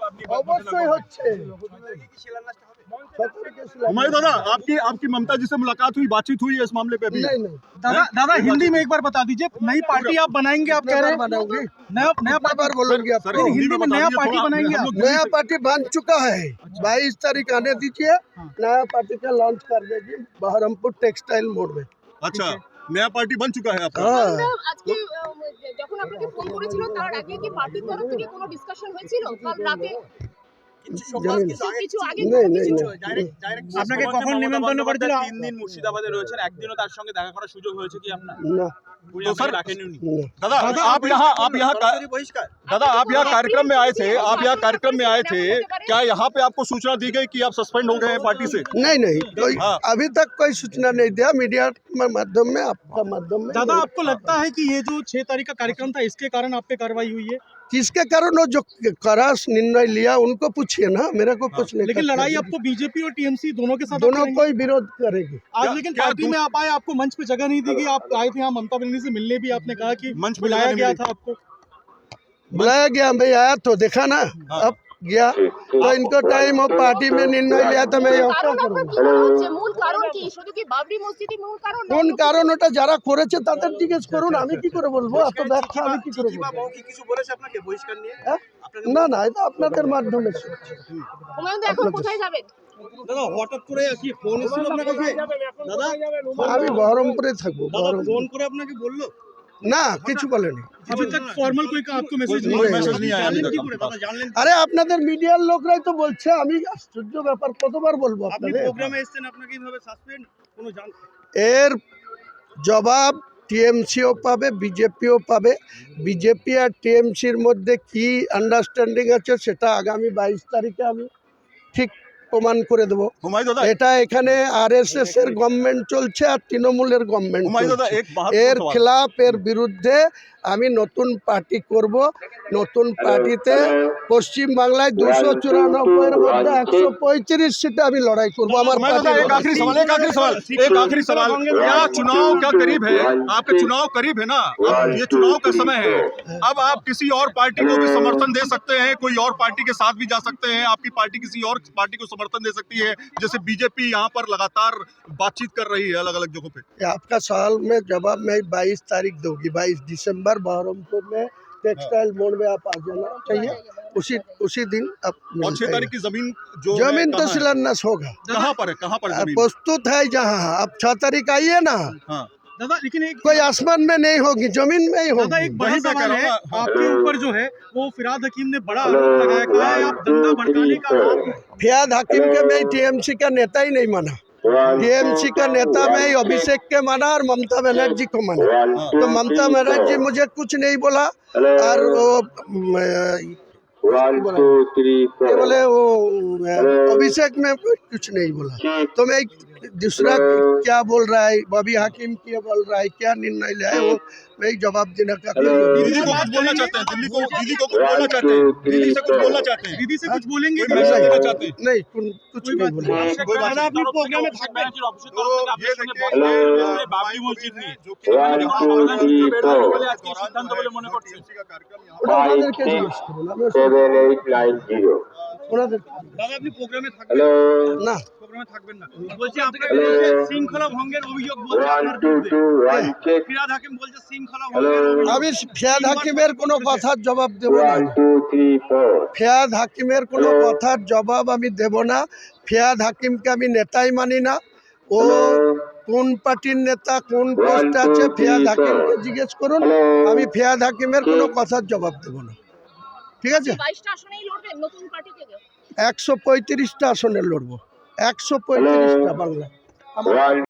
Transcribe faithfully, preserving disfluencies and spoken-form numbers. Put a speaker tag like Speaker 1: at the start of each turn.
Speaker 1: অবশ্যই হচ্ছে।
Speaker 2: हुमायूं दादा, आपकी आपकी ममता जी से मुलाकात हुई, बातचीत हुई है इस मामले पे अभी?
Speaker 1: नहीं नहीं
Speaker 3: दादा दादा हिंदी में एक बार बता दीजिए, नई पार्टी आप बनाएंगे, आप कह रहे हैं
Speaker 1: बनाऊंगी,
Speaker 3: नया नया
Speaker 1: कितना बार बोलूंगी
Speaker 2: सर,
Speaker 1: आपको?
Speaker 3: हिंदी में नया
Speaker 2: बता
Speaker 3: पार्टी
Speaker 2: दीजिए, थोड़ा
Speaker 3: बनाएंगे
Speaker 2: हम
Speaker 3: आप?
Speaker 2: लोग दूरी
Speaker 1: नया
Speaker 2: से-
Speaker 1: पार्टी बन चुका है, बाईस तारीख आने दीजिए, नया पार्टी का लॉन्च कर देगी बहरमपुर टेक्सटाइल मोड़ में।
Speaker 2: अच्छा, नया पार्टी बन चुका है आपका?
Speaker 1: हाँ
Speaker 4: আজকে আহ, যখন আপনাকে ফোন করেছিল তার আগে কি পার্টির তরফ থেকে কোনো ডিসকাশন হয়েছিল কাল রাতে
Speaker 1: जमीन
Speaker 4: কিছু আগে
Speaker 1: नहीं नहीं नहीं
Speaker 3: আপনাকে কখন নিমন্ত্রণ করেছিল?
Speaker 5: তিন দিন মুর্শিদাবাদে রয়েছেন, একদিনও তার সঙ্গে দেখা করার সুযোগ হয়েছে কি আপনার?
Speaker 1: ना
Speaker 5: উনি
Speaker 2: तो
Speaker 5: আপনাকে
Speaker 2: सर-
Speaker 5: ডাকেননি উনি?
Speaker 1: ना
Speaker 2: दादा आप यहाँ आप यहाँ का-
Speaker 5: বহিষ্কার
Speaker 2: दादा आप यहाँ कार्यक्रम में आए थे, आप यहाँ कार्यक्रम में आए थे, क्या यहाँ पे आपको सूचना दी गई कि आप सस्पेंड हो गए हैं पार्टी से?
Speaker 1: नहीं नहीं कोई
Speaker 2: हाँ।
Speaker 1: अभी तक कोई सूचना नहीं दिया, मीडिया के माध्यम में, आपका माध्यम में।
Speaker 3: दादा आपको लगता है कि ये जो छह तारीख का कार्यक्रम था इसके कारण आप पे कार्रवाई हुई है?
Speaker 1: किसके कारण वो जो करास निर्णय लिया उनको पूछिए ना, मेरे को कुछ नहीं।
Speaker 3: लेकिन
Speaker 1: करना
Speaker 3: लड़ाई
Speaker 1: है।
Speaker 3: आपको बीजेपी और टीएमसी दोनों के साथ
Speaker 1: दोनों
Speaker 3: आप करेंगे?
Speaker 1: कोई विरोध करेगी।
Speaker 3: आज
Speaker 2: क्या-
Speaker 3: लेकिन
Speaker 2: क्या
Speaker 3: पार्टी
Speaker 2: दूस-
Speaker 3: में आप आए, आपको मंच पे जगह नहीं दी गई, आप आए थे यहाँ ममता बनर्जी से मिलने भी, आपने कहा कि
Speaker 2: मंच पे
Speaker 3: बुलाया
Speaker 2: जगह नहीं
Speaker 3: गया
Speaker 2: मिली।
Speaker 3: था आपको।
Speaker 1: बुलाया गया, मैं आया तो देखा ना,
Speaker 2: हाँ।
Speaker 1: अब गया तो इनको टाइम और पार्टी में निर्णय लिया तो मैं यहाँ क्या
Speaker 4: কারণ
Speaker 1: करूँ?
Speaker 4: আপনার কি মনে হচ্ছে মূল কারণ কি শুধু কি বাবরি মসজিদই মূল কারণ
Speaker 1: কোন কারণ ওটা যারা করেছে তাদের জিজ্ঞেস করুন, আমি কি করে বলবো? এত ব্যাখ্যা আমি কি করে
Speaker 5: চিঠি বা
Speaker 1: বলবো?
Speaker 5: মৌখিক কিছু বলেছে আপনাকে বহিষ্কার নিয়ে?
Speaker 1: হ্যাঁ?
Speaker 5: আপনাকে
Speaker 1: না না, এটা আপনাদের মাধ্যমে শুনছি।
Speaker 4: হুমায়ুন দা এখন কোথায় যাবেন
Speaker 5: দাদা হঠাৎ করে কি ফোন এসেছিল আপনার কাছে? দাদা
Speaker 1: আমি বহরমপুরে থাকবো। বহরমপুর
Speaker 5: ফোন করে আপনাকে বললো?
Speaker 1: না, কিছু বলেনি।
Speaker 3: अभी तक फॉर्मल कोई आपको मैसेज
Speaker 2: कोई
Speaker 3: नहीं
Speaker 2: मैसेज नहीं आया अभी
Speaker 5: জানলেন
Speaker 2: तक
Speaker 5: কি
Speaker 2: आपके
Speaker 5: করে
Speaker 2: पास।
Speaker 5: দাদা, জানলেন?
Speaker 1: আরে আপনাদের মিডিয়ার লোকরাই তো বলছে, আমি আশ্চর্য ব্যাপার, কতবার বলবো
Speaker 5: আপনি
Speaker 1: আপনাদের?
Speaker 5: প্রোগ্রামে এসেছেন, আপনাকে এইভাবে সাসপেন্ড কোনো জান
Speaker 1: এর জবাব টিএমসিও পাবে, বিজেপিও পাবে। বিজেপি আর টিএমসির মধ্যে কি আন্ডারস্ট্যান্ডিং আছে সেটা আগামী বাইশ তারিখে আমি ঠিক প্রমাণ করে দেবো।
Speaker 2: हुमायूं दादा
Speaker 1: এটা এখানে আরএসএস এর গভর্নমেন্ট চলছে আর তৃণমূলের গভর্নমেন্ট
Speaker 2: हुमायूं दादा
Speaker 1: চলছে।
Speaker 2: एक महत्वपूर्ण
Speaker 1: এর
Speaker 2: सवाल।
Speaker 1: খেলাফ, এর বিরুদ্ধে আমি নতুন পার্টি করব। নতুন পার্টিতে পশ্চিম বাংলায় দুশো চুরানব্বই এর মধ্যে একশো পঁয়ত্রিশ সিটে আমি লড়াই করব আমার
Speaker 2: हुमायूं दादा एक
Speaker 1: পার্টি।
Speaker 2: आखिरी सवाल एक आखिरी सवाल एक आखिरी सवाल क्या चुनाव क्या करीब है? आपके चुनाव करीब है ना, अब ये चुनाव का समय है, अब आप किसी और पार्टी को भी समर्थन दे सकते हैं, कोई और पार्टी के साथ भी जा सकते हैं, आपकी पार्टी किसी और पार्टी को समर्थन दे सकती है, जैसे बीजेपी यहाँ पर लगातार बातचीत कर रही है अलग अलग जगहों पे।
Speaker 1: आपका सवाल में जवाब मैं बाईस तारीख दूंगी, बाईस दिसंबर बहरमपुर में टेक्सटाइल मोड़ में आप आ जाना चाहिए, उसी उसी दिन आप
Speaker 2: और
Speaker 1: मिलते
Speaker 2: छह
Speaker 1: हैं।
Speaker 2: तारीख की जमीन जो है,
Speaker 1: जमीन तो
Speaker 2: कहाँ है?
Speaker 1: शिलान्यास होगा,
Speaker 2: कहाँ पर है कहाँ पर है जमीन?
Speaker 1: प्रस्तुत है जहाँ। आप छह तारीख आइए ना,
Speaker 2: हाँ
Speaker 3: दादा लेकिन एक
Speaker 1: कोई आसमान में नहीं होगी, जमीन में ही
Speaker 3: दादा
Speaker 1: होगी।
Speaker 3: एक बड़ा
Speaker 2: वही मैं कह
Speaker 3: सवाल
Speaker 2: रहा
Speaker 3: है,
Speaker 2: हूँ ना, हाँ।
Speaker 3: आपके ऊपर जो है वो फिराद हकीम ने बड़ा आरोप लगाया, कहा है आप दंगा भड़काने का आरोप है।
Speaker 1: फियाद हकीम के मैं टीएमसी का नेता ही नहीं माना। टीएमसी का नेता मैं अभिषेक के माना और ममता बनर्जी को माना। तो ममता बनर्जी मुझे कुछ नहीं बोला और वो म, ये बोले वो अभिषेक में कुछ नहीं बोला। तो मैं दूसरा क्या बोल रहा है, बॉबी हाकिम क्या बोल रहा है, क्या निर्णय लिया है, वो मैं जवाब देने का कोई
Speaker 2: दीदी को कुछ बोलना चाहते हैं, दिल्ली को दीदी को कुछ बोलना चाहते हैं, दीदी से कुछ बोलना चाहते हैं,
Speaker 3: दीदी से कुछ बोलेंगे
Speaker 2: कोई मैसेज देना चाहते हैं?
Speaker 1: नहीं, कुछ कुछ नहीं बोला।
Speaker 2: कोई बात नहीं।
Speaker 3: আপনি প্রোগ্রামে থাকবেন?
Speaker 2: तो ये देखिए
Speaker 5: বাবরি মসজিদ নিয়ে
Speaker 2: जो कि
Speaker 5: আজকে সিদ্ধান্ত বলে মনে করছে।
Speaker 2: का कार्यक्रम यहाँ
Speaker 1: ওটা ওনাদেরকে জিজ্ঞেস করুন, আমি ওসব-
Speaker 6: seven eight nine zero.
Speaker 1: ওনাদের
Speaker 3: দাদা আপনি প্রোগ্রামে থাকবেন?
Speaker 6: Hello.
Speaker 1: না,
Speaker 3: প্রোগ্রামে থাকবেন না, বলছি আপনাকে বলছে শৃঙ্খলা ভঙ্গের অভিযোগ বলছে
Speaker 6: One
Speaker 3: আপনার
Speaker 6: two
Speaker 3: বিরুদ্ধে।
Speaker 6: two one check.
Speaker 3: ফিরাদ হাকিম বলছে শৃঙ্খলা ভঙ্গের অভিযোগ।
Speaker 1: আমি ফিয়াদ হাকিমের কোনো কথার জবাব দেব না।
Speaker 6: One two three four.
Speaker 1: ফিয়াদ হাকিমের কোনো কথার জবাব আমি দেব না। ফিয়াদ হাকিমকে আমি নেতাই মানি না। ও কোন পার্টির নেতা, কোন পোস্টে আছে, ফিয়াদ হাকিমকে জিজ্ঞেস করুন। আমি ফিয়াদ হাকিমের কোনো কথার জবাব দেব না, ঠিক আছে?
Speaker 4: বাইশটা আসনেই লড়বেন নতুন পার্টি থেকে
Speaker 1: একশো পঁয়ত্রিশটা আসনে লড়বো, একশো পঁয়ত্রিশটা বাংলা।
Speaker 6: One